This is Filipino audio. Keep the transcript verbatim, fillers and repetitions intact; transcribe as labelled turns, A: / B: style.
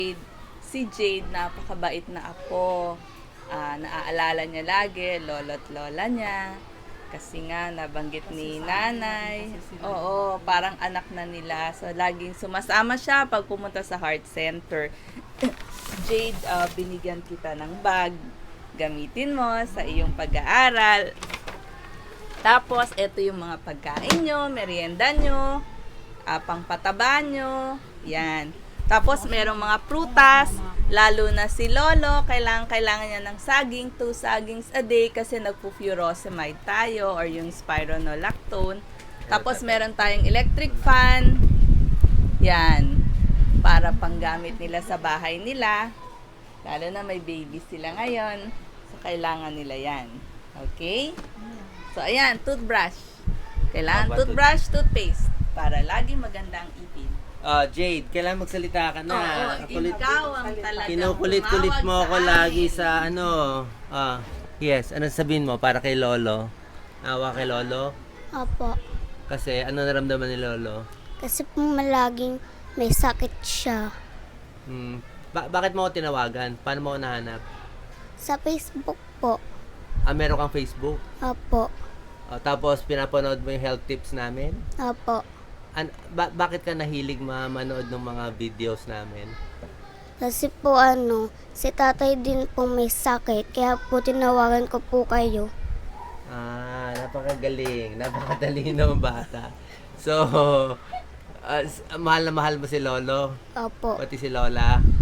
A: Si Jade, napakabait na apo. Ah, naaalala niya lagi, lolo't lola niya. Kasi nga, nabanggit ni nanay. Oo, parang anak na nila. So, laging sumasama siya pag pumunta sa heart center. Jade, ah, binigyan kita ng bag. Gamitin mo sa iyong pag-aaral. Tapos, ito yung mga pagkain nyo, merienda nyo, ah, pangpataba nyo. Yan. Tapos, merong mga prutas, lalo na si Lolo, kailangan, kailangan niya ng saging, two sagings a day kasi nagpo-furosemide tayo or yung spironolactone. Tapos, meron tayong electric fan. Yan. Para panggamit nila sa bahay nila. Lalo na may baby sila ngayon. So, kailangan nila yan. Okay? So, ayan, toothbrush. Kailangan
B: Aba,
A: toothbrush, toothpaste. Para lagi magandang ipin.
B: Ah, Jade, kailangan magsalita ka na.
A: Oo,
B: Kakulit,
A: ikaw ang talagang
B: kinukulit-kulit mo
A: tumawag
B: ako
A: sa
B: lagi
A: amin.
B: sa ano. Ah, yes, ano sabihin mo para kay Lolo? Awa kay Lolo?
C: Opo.
B: Kasi ano naramdaman ni Lolo?
C: Kasi po malaging may sakit siya.
B: Hmm, ba- bakit mo ako tinawagan? Paano mo ako nahanap?
C: Sa Facebook po.
B: Ah, meron kang Facebook?
C: Opo.
B: Ah, tapos pinapanood mo yung health tips namin?
C: Opo.
B: An- ba- bakit ka nahilig ma- manood ng mga videos namin?
C: Kasi po ano, si tatay din po may sakit. Kaya po tinawagan ko po kayo.
B: Ah, napakagaling. Napakatalino ng bata. So, ah, s- mahal na mahal mo si Lolo,
C: Opo.
B: pati si Lola.